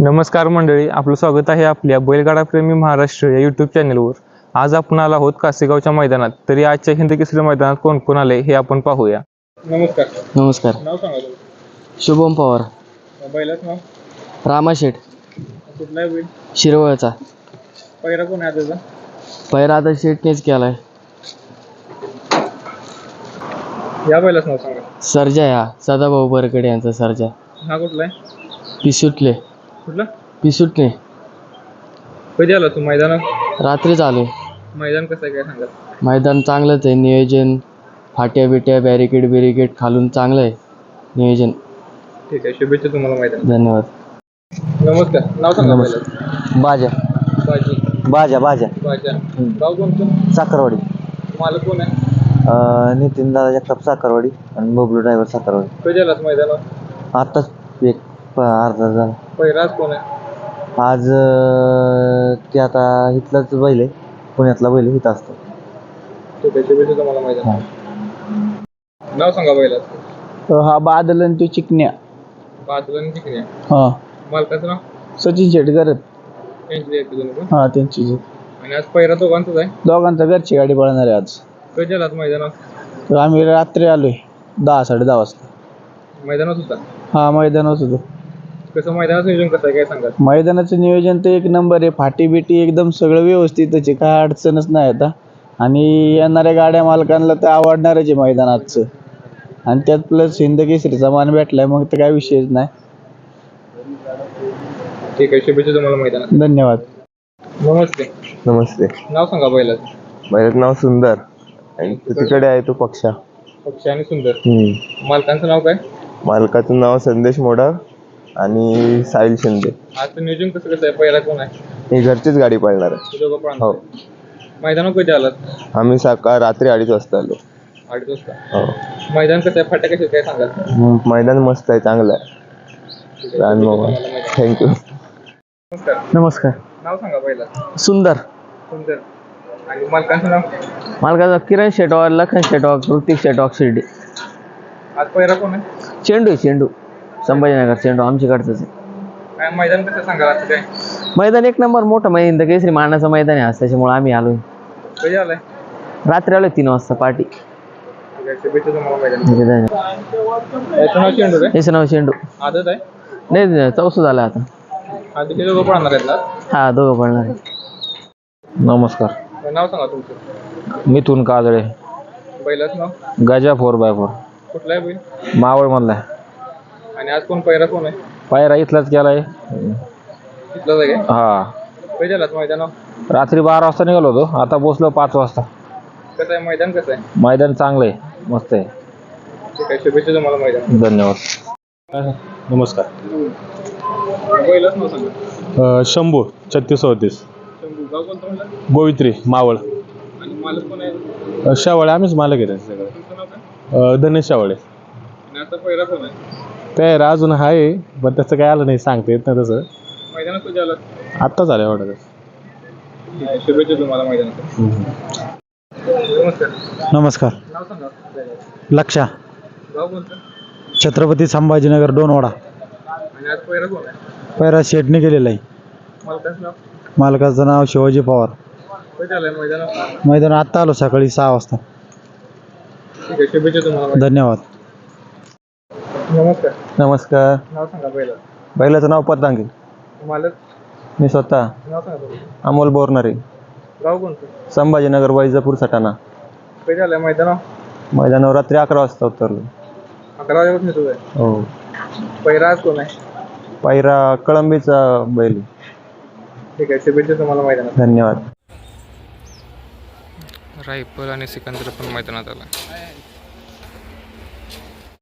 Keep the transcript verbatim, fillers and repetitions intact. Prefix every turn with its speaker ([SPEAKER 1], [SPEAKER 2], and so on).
[SPEAKER 1] नमस्कार मंडळी, आपलं स्वागत आहे आपल्या बैलगाडा प्रेमी महाराष्ट्र या यूट्यूब चॅनलवर. आज आपण आलो आहोत कासेगावच्या मैदानात. तरी आजच्या हिंद केसरी मैदानात कोण कोण आले हे आपण पाहूया.
[SPEAKER 2] नमस्कार.
[SPEAKER 3] नमस्कार.
[SPEAKER 2] नाव सांगा तुमचं.
[SPEAKER 3] शुभम पवार.
[SPEAKER 2] बैलाचं नाव.
[SPEAKER 3] रामाशेठ
[SPEAKER 2] कुठला आहे बैल.
[SPEAKER 3] शिरवळचा.
[SPEAKER 2] पहिरा कोण आहे त्याचा.
[SPEAKER 3] पहिरा आता शेटनेच केलाय.
[SPEAKER 2] या बैलाचं नाव सांगा.
[SPEAKER 3] सर्जा. या सदाभाऊ बरकडे यांचा सर्जा.
[SPEAKER 2] हा कुठला आहे.
[SPEAKER 3] पिसुटले.
[SPEAKER 2] कुठला.
[SPEAKER 3] पिसुटले.
[SPEAKER 2] कधी आला तू मैदानात.
[SPEAKER 3] रात्रीच आलो.
[SPEAKER 2] मैदान कसं आहे काय सांगा.
[SPEAKER 3] मैदान चांगलंच आहे. नियोजन फाट्या बिट्या बॅरिकेड बिरिकेड खालून चांगलं आहे नियोजन.
[SPEAKER 2] ठीक आहे, शुभेच्छा तुम्हाला मैदान.
[SPEAKER 3] धन्यवाद.
[SPEAKER 2] नमस्कार. नाव सांगा बैलाचं.
[SPEAKER 3] बाजा.
[SPEAKER 2] बाजी.
[SPEAKER 3] बाजा बाजा
[SPEAKER 2] बाजा. गाव कोणतं.
[SPEAKER 3] साखरवाडी.
[SPEAKER 2] मालक कोण आहे.
[SPEAKER 3] नितीन दादा जगताप साखरवाडी आणि बबलू ड्रायव्हर साखरवाडी.
[SPEAKER 2] कधी आलास मैदानात.
[SPEAKER 3] आत्ताच एक अर्धा झाला.
[SPEAKER 2] पहिरा आज कोण आहे.
[SPEAKER 3] आज ते आता इथलाच बैल आहे, पुण्यातला बैल इथं असतो.
[SPEAKER 2] ठीक आहे, शुभेच्छा तुम्हाला मैदान. नाव सांगा बैलाचं.
[SPEAKER 4] हा बादल आणि तो चिकन्या.
[SPEAKER 2] बाजूला आणि तिकडे.
[SPEAKER 4] हा
[SPEAKER 2] मालकाचं नाव.
[SPEAKER 4] सचिन शेटकर.
[SPEAKER 2] त्यांची आहे तुम्ही पण.
[SPEAKER 4] हा त्यांची जी.
[SPEAKER 2] आणि आज पहिरा दोघांचाच आहे.
[SPEAKER 4] दोघांचा घरची गाडी पळणार आहे आज.
[SPEAKER 2] कधी आलात मैदानात.
[SPEAKER 4] तर आम्ही रात्री आलोय दहा साडे दहा वाजता.
[SPEAKER 2] मैदानात होता.
[SPEAKER 4] हा मैदानात होतो.
[SPEAKER 2] कसं मैदानाचं नियोजन कसं आहे काय सांगा.
[SPEAKER 4] मैदानाचं नियोजन तर एक नंबर आहे. फाटी बिटी एकदम सगळं व्यवस्थितच आहे, काय अडचणच नाही आता. आणि येणाऱ्या गाड्या मालकांना तर आवडणारच आहे मैदानाचं. आणि त्यात प्लस हिंद केसरीचा मान भेटलाय मग तर काय विषयच नाही.
[SPEAKER 2] ठीक आहे, शुभेच्छा तुम्हाला मैदानात.
[SPEAKER 4] धन्यवाद.
[SPEAKER 2] नमस्ते.
[SPEAKER 3] नमस्ते.
[SPEAKER 2] नाव सांगा बैलाचं.
[SPEAKER 3] बैलाचं नाव सुंदर आणि तिकडे आहे तो पक्षा.
[SPEAKER 2] पक्षी आणि सुंदर.
[SPEAKER 3] हम्म.
[SPEAKER 2] मालकांचं नाव काय.
[SPEAKER 3] मालकाचं नाव संदेश मोडाळ आणि साहिल शिंदे.
[SPEAKER 2] आजचं नियोजन कसं कसं आहे. पहिला कोण आहे.
[SPEAKER 3] ही घरचीच गाडी पळणार आहे.
[SPEAKER 2] ते दोघं
[SPEAKER 3] हो.
[SPEAKER 2] पळणार. मैदानात कधी आलात.
[SPEAKER 3] आम्ही सकाळ रात्री अडीच वाजता आलो.
[SPEAKER 2] अडीच वाजता.
[SPEAKER 3] हो.
[SPEAKER 2] मैदान कसं आहे. फाट्या कशा काय सांगा.
[SPEAKER 3] मैदान मस्त आहे, चांगलं आहे. थँक्यू.
[SPEAKER 2] नमस्कार.
[SPEAKER 4] नमस्कार.
[SPEAKER 2] नाव सांगा बैलाचं.
[SPEAKER 4] सुंदर.
[SPEAKER 2] सुंदर. आणि मालकांचं नाव.
[SPEAKER 4] मालकाचा किरण शेटवार, लखन शेटवार, ऋतिक शेटवार, शिर्डी.
[SPEAKER 2] आज पहिला कोण आहे.
[SPEAKER 4] चेंडू चेंडू संभाजीनगर. चेंडू आमच्याकडचंच आहे.
[SPEAKER 2] काय मैदान कसं सांगा. आज काय
[SPEAKER 4] मैदान एक नंबर मोठं मैदान, केसरी मानाचं मैदान आहे आज, त्याच्यामुळे आम्ही आलोय.
[SPEAKER 2] कधी आलाय.
[SPEAKER 4] रात्री आलोय तीन वाजता पार्टी.
[SPEAKER 2] ठीक आहे, शुभेच्छा तुम्हाला मैदान. याचं नाव चेंडू काय.
[SPEAKER 4] याचं नाव चेंडू.
[SPEAKER 2] आदत आहे.
[SPEAKER 4] नाही चौसू झाला आता.
[SPEAKER 2] आज ते दोघं पळणार आहेत ना.
[SPEAKER 4] हा दोघं पडणार आहे.
[SPEAKER 1] नमस्कार.
[SPEAKER 2] नाव सांगा तुमचं.
[SPEAKER 1] मिथून काजळे.
[SPEAKER 2] बैलाचं नाव.
[SPEAKER 1] Gaja four by four.
[SPEAKER 2] कुठला आहे बैल.
[SPEAKER 1] मावळ मधला.
[SPEAKER 2] आणि आज कोण पहिरा कोण आहे.
[SPEAKER 1] पायरा इथलाच केलाय.
[SPEAKER 2] तिथलाच आहे काय.
[SPEAKER 1] हा.
[SPEAKER 2] कधी आलात मैदानावर.
[SPEAKER 1] रात्री बारा वाजता निघालो होतो, आता पोचलो पाच वाजता.
[SPEAKER 2] कसं आहे मैदान कसं आहे.
[SPEAKER 1] मैदान चांगलं आहे, मस्त आहे.
[SPEAKER 2] ठीक आहे, शुभेच्छा तुम्हाला मैदान.
[SPEAKER 1] धन्यवाद.
[SPEAKER 5] नमस्कार.
[SPEAKER 2] बैलाच नाव सांगा.
[SPEAKER 5] शंभू छत्तीस अडतीस.
[SPEAKER 2] शंभू. गाव कोणतं म्हणलं.
[SPEAKER 5] गोवित्री मावळ.
[SPEAKER 2] आणि मालक कोण आहे.
[SPEAKER 5] शावळे आम्हीच मालक आहे सगळं.
[SPEAKER 2] तुमचं नाव काय.
[SPEAKER 5] धनेश शावळे.
[SPEAKER 2] आणि आता पहिरा कोण आहे.
[SPEAKER 5] तयार अजून आहे पण त्याचं काय आलं नाही, सांगता येत नाही तसं.
[SPEAKER 2] मैदानात कधी आलात.
[SPEAKER 5] आत्ताच आलं एवढं.
[SPEAKER 2] ठीक आहे, शुभेच्छा तुम्हाला मैदानात. नमस्कार.
[SPEAKER 4] नमस्कार.
[SPEAKER 2] नाव सांगा.
[SPEAKER 4] लक्षा.
[SPEAKER 2] गाव कोणतं.
[SPEAKER 4] छत्रपती संभाजीनगर दोनवाडा.
[SPEAKER 2] आणि आज पहिरा कोण आहे.
[SPEAKER 4] पैरा शेटने केलेला आहे.
[SPEAKER 2] मालकाचं नाव.
[SPEAKER 4] मालकाचं नाव शिवाजी पवार.
[SPEAKER 2] कधी आलाय मैदानात.
[SPEAKER 4] मैदान आत्ता आलो सकाळी सहा वाजता.
[SPEAKER 2] ठीक आहे, शुभेच्छा तुम्हाला.
[SPEAKER 4] धन्यवाद.
[SPEAKER 2] नमस्कार.
[SPEAKER 1] नमस्कार.
[SPEAKER 2] नाव सांगा पहिला.
[SPEAKER 1] बैलाचं नाव पतंगी.
[SPEAKER 2] मालक.
[SPEAKER 1] मी स्वतः.
[SPEAKER 2] नाव सांगा तुम्ही.
[SPEAKER 1] अमोल बोरणारे.
[SPEAKER 2] गाव कोणतं.
[SPEAKER 1] संभाजीनगर वैजापूर सटाणा.
[SPEAKER 2] कधी आलाय मैदानावर.
[SPEAKER 1] मैदानावर रात्री अकरा वाजता उतरलो.
[SPEAKER 2] अकरा वाजेपासून येतो आहे.
[SPEAKER 1] हो.
[SPEAKER 2] पहिरा आज कोण आहे.
[SPEAKER 1] पायरा कळंबीचा बैल.
[SPEAKER 2] ठीक आहे, शुभेच्छा तुम्हाला मैदानात.
[SPEAKER 1] धन्यवाद.
[SPEAKER 6] रायफल आणि सिकंदर पण मैदानात आला.